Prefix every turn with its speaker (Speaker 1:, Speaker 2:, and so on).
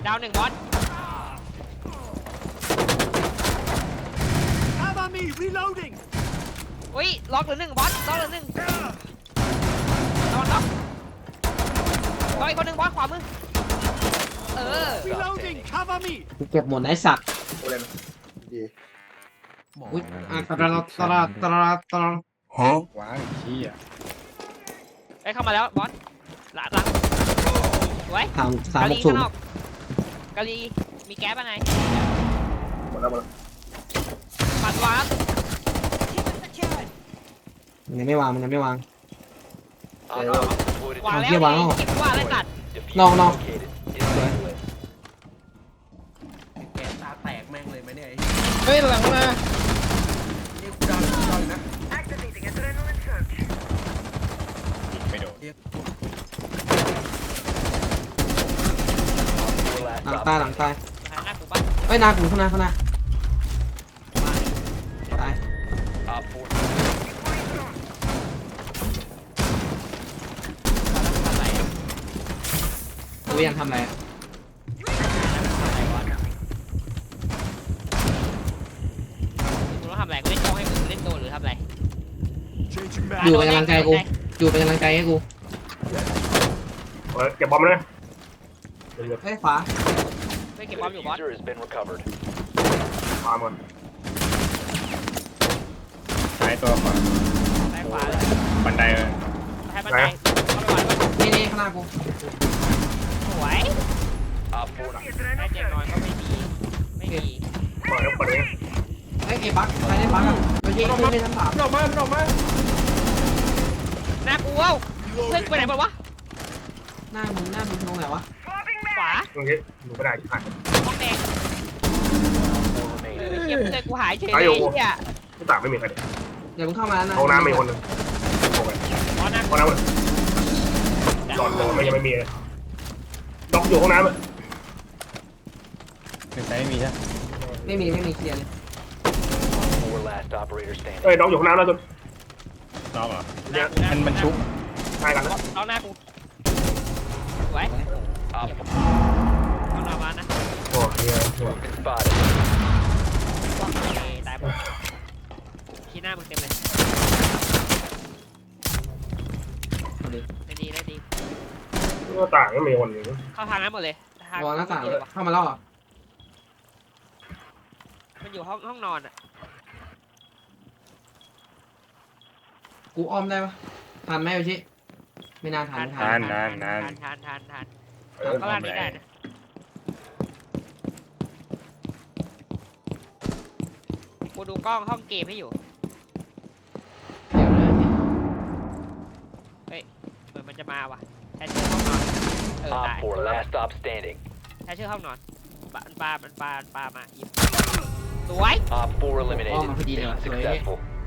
Speaker 1: ดาวหนึ่งบอส
Speaker 2: Cover me, reloading.
Speaker 1: อุ้ยล็อกเหลือหนึ่งบอสล็อกเหลือหนึ่งนอนล็อกอีกคนหนึ่งบอสขวามือ
Speaker 2: Reloading, cover me.
Speaker 3: กูเก็บหมดไอ้สัตว์
Speaker 4: กูเล่นดี
Speaker 3: อุ้ยตลาด
Speaker 5: ว้าวขี้อ่ะ
Speaker 1: ไอ้เข้ามาแล้วบอสหลังไว้
Speaker 3: 360
Speaker 1: กาลีมีแก๊สอะไร
Speaker 4: หมดแล้ว
Speaker 1: ปัดวาร์ป
Speaker 3: มันยังไม่วาง
Speaker 1: วางแล้ว
Speaker 3: เอา
Speaker 1: ไอ้
Speaker 3: เหี้ยวางแล้ว
Speaker 1: เก็บว่าอะไรตัด
Speaker 3: นอก
Speaker 6: แกตาแตกแม่งเลยไหมเนี่ย
Speaker 5: เฮ้ยหลังมา
Speaker 6: นี่กูดาวนะ
Speaker 5: ไม่โดน
Speaker 3: หลังตาย
Speaker 1: หน้ากูปะ
Speaker 3: เอ้ยหน้ากูข้างหน้าตาย
Speaker 1: ทำไรอะ
Speaker 3: กูยังทำอะไรอะ
Speaker 1: กูต้องทำอะไรกูเล่นโจ้ให้มึงเล่นโดนหรือทำอะไร
Speaker 2: Changing
Speaker 3: อ
Speaker 2: back.
Speaker 3: ยู่เป็นกำลังใจกูอยู่เป็นกำลังใจให้กู
Speaker 4: เก็บบอมเลย
Speaker 3: เฮ้ยขวา
Speaker 1: ไม่เก็บบอลอยู่บอส
Speaker 4: มาหมด
Speaker 5: ซ้ายตัวขวา
Speaker 1: ซ้ายขวาเลย
Speaker 5: บันไดเลย
Speaker 1: ให้บันไดเข้าไปวางไว้
Speaker 3: นี่ข้างหน้ากู
Speaker 1: สวยได้เจ็บน้อยก็ไม่มี
Speaker 4: เปิดแล้วเปิดเลย
Speaker 3: เฮ้ยไอ้บั๊กอะไรเนี่ยบั๊กอ่ะเมื่อกี้ขึ้นไปชั้น 3
Speaker 6: ออกมาออกมา
Speaker 1: หน้ากูเอ้าเพื่อนกูไปไหนหมดวะ
Speaker 3: หน้ามึงตรงไหนวะ
Speaker 1: ขวา
Speaker 4: ตรงนี้หนูไม่ได้ผ่าน
Speaker 1: ห้องแดงเฮียเพื่อนกูหายเฉยเลยเฮีย
Speaker 4: ที่ต่างไม่มีใคร
Speaker 3: เดี๋ยวมึงเข้ามาแล้วนะ
Speaker 4: ห้องน้ำมีคนนึงโอ้ย
Speaker 1: อ๋อหน้า
Speaker 4: ห้องน้ำหลอดมันยังไม่มีเลยล็อกอยู่ห้องน้ำ
Speaker 5: เป็นซ้ายไม่มีใช่
Speaker 3: ไม่มีเคลียร์เลย
Speaker 4: เอ้ยล็อกอยู่ห้องน้ำแล้วจน
Speaker 5: น้องเหรอ
Speaker 4: เนี่ย
Speaker 5: มันชุบ
Speaker 4: ใช่กันแล้ว
Speaker 1: เอาหน้ากูไว้เอาหน้ามานะ
Speaker 4: โอ้ย
Speaker 1: ตายหมดขี้หน้ามึงเต็มเลยได้ดี
Speaker 4: ก็ต่างก็มีคนนึง
Speaker 1: เข้าทางนั้นหมดเลย
Speaker 3: วางหน้าต่างเข้ามาแล้วเหรอ
Speaker 1: มันอยู่ห้องนอนอ่ะ
Speaker 3: กูอ้อมได้ปะทันไหมโอชิไม่น่าทัน
Speaker 1: ทานก็ล่างนี้ได้นะกูดูกล้องห้องเกมให้อยู่เฮ้ยเหมือนมันจะมาว่ะแทชเชอร์ห้องนอนตายแทชเชอร์ห้องนอนปลามาหยิบสวย
Speaker 3: อ้อมมาพอดีเลยว่ะสวย